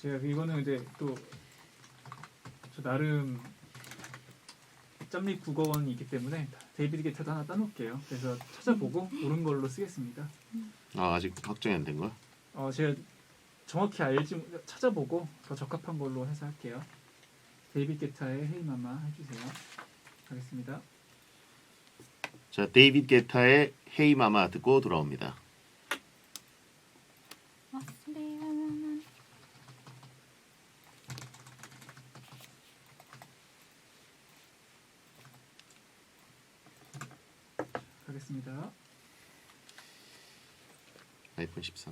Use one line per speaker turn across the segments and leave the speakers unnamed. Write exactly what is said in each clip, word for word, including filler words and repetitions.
제가 이거는 이제 또 저 나름 짬립 국어원이 있기 때문에 데이비드 게타도 하나 따놓을게요. 그래서 찾아보고 옳은 걸로 쓰겠습니다.
아 아직 확정이 안 된 거야?
어 제가 정확히 알지 찾아보고 더 적합한 걸로 해서 할게요. 데이비드 게타의 헤이마마 해주세요. 가겠습니다.
자 데이비드 게타의 헤이 마마 듣고 돌아옵니다.
가겠습니다.
아이폰 십삼.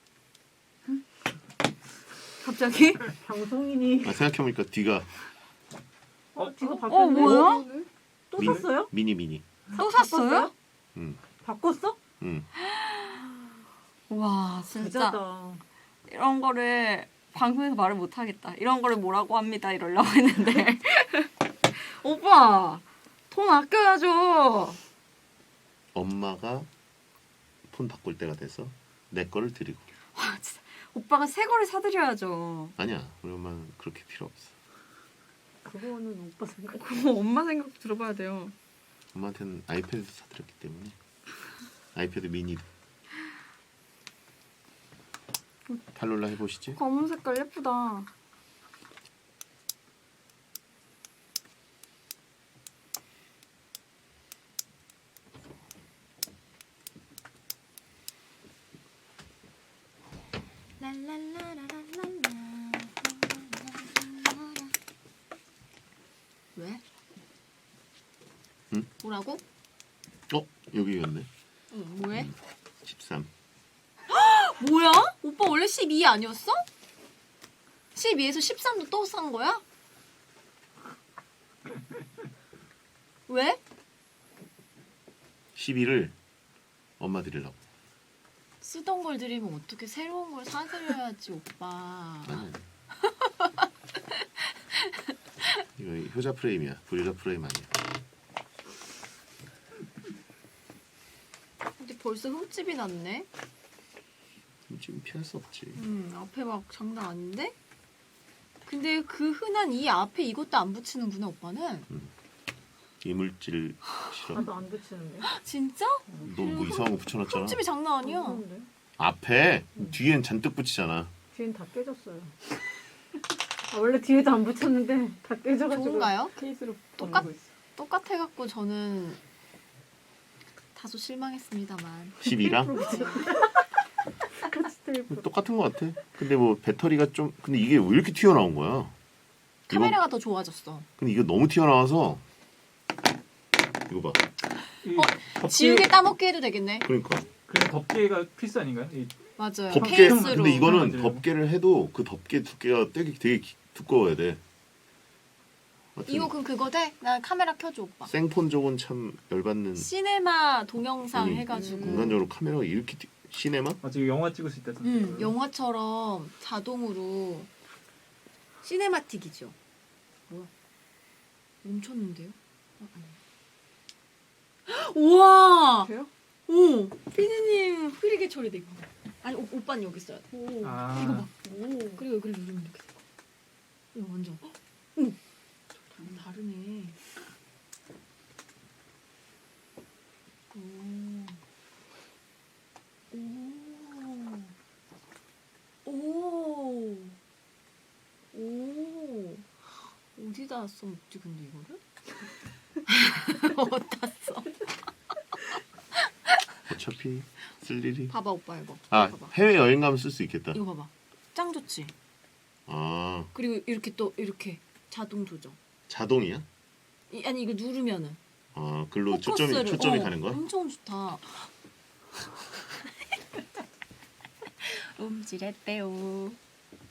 갑자기?
방송인이
아 생각해보니까 뒤가
어?
뒤가
어
바뀌었네.
뭐야?
또
미-
샀어요?
미니 미니.
또 샀어요?
응.
바꿨어?
응.
와 진짜
부자다.
이런 거를 방송에서 말을 못 하겠다. 이런 거를 뭐라고 합니다. 이러려고 했는데 오빠 돈 아껴야죠.
엄마가 폰 바꿀 때가 돼서 내 거를 드리고.
와 진짜 오빠가 새 거를 사드려야죠.
아니야 우리 엄마는 그렇게 필요 없어.
그거는 오빠 생각.
그거 엄마 생각도 들어봐야 돼요.
엄마한테는 아이패드 사드렸기 때문에. 아이패드 미니. 칼룰라 해보시지.
검은 색깔 예쁘다. 왜?
응?
뭐라고?
어 여기였네.
응, 뭐해?
십삼.
뭐야? 오빠 원래 십이 아니었어? 십이에서 십삼도 또 산 거야? 왜?
십이를 엄마 드리려고.
쓰던 걸 드리면 어떻게 새로운 걸 사드려야지 오빠.
아니. 이거 효자 프레임이야. 브리라 프레임 아니야.
근데 벌써 흠집이 났네.
지금 피할 수 없지.
음, 앞에 막 장난 아닌데? 근데 그 흔한 이 앞에 이것도 안 붙이는구나 오빠는.
이물질 실험.
나도 안 붙이는데.
진짜?
너 뭐 이상한 거 붙여놨잖아.
흠집이 장난 아니야.
그런데
앞에 뒤엔 잔뜩 붙이잖아.
뒤엔 다 깨졌어요. 아, 원래 뒤에도 안 붙였는데 다 깨져가지고.
좋은가요?
케이스로
똑같-
보내고 있어.
똑같아갖고 저는 다소 실망했습니다만.
십이랑
같이 테이프.
똑같은 거 같아. 근데 뭐 배터리가 좀 근데 이게 왜 이렇게 튀어나온 거야?
카메라가 더 좋아졌어.
근데 이게 너무 튀어나와서 이거 봐.
이
어,
덮개,
지우개 따먹게 해도 되겠네.
그러니까
그냥 덮개가 필수 아닌가요? 이
맞아요.
덮개
케이스로.
근데 이거는
만들려고.
덮개를 해도 그 덮개 두께가 되게 되게 기- 두꺼워야 돼. 하여튼
이거 그럼 그거 돼? 나 카메라 켜줘 오빠.
생폰 쪽은 참 열받는.
시네마 동영상
아니,
해가지고.
인간적으로 카메라가 이렇게 튀- 시네마?
아 지금 영화 찍을 수 있다던데.
음, 영화처럼 자동으로 시네마틱이죠. 뭐야? 멈췄는데요? 어, 아니. 우와!
돼요?
오! 피디님 흐리게 처리돼 이거. 아니 오, 오빠는 여기 있어야 돼.
오.
아,
이거 봐.
오.
그리고 여기를 누르면 이렇게 돼. 이거 완전. 헉! 오! 다르네. 오. 오. 오. 오. 어디다 써먹지 근데 이거를? 어디다 써?
어차피 쓸 일이.
봐봐 오빠 이거.
아
봐봐.
해외 여행 가면 쓸 수 있겠다.
이거 봐봐. 짱 좋지?
아
그리고 이렇게 또 이렇게 자동 조정.
자동이야?
이, 아니 이거 누르면은
아 글로 초점이
포커스를-
초점이
어,
가는 거야?
엄청 좋다. 움찔했대요.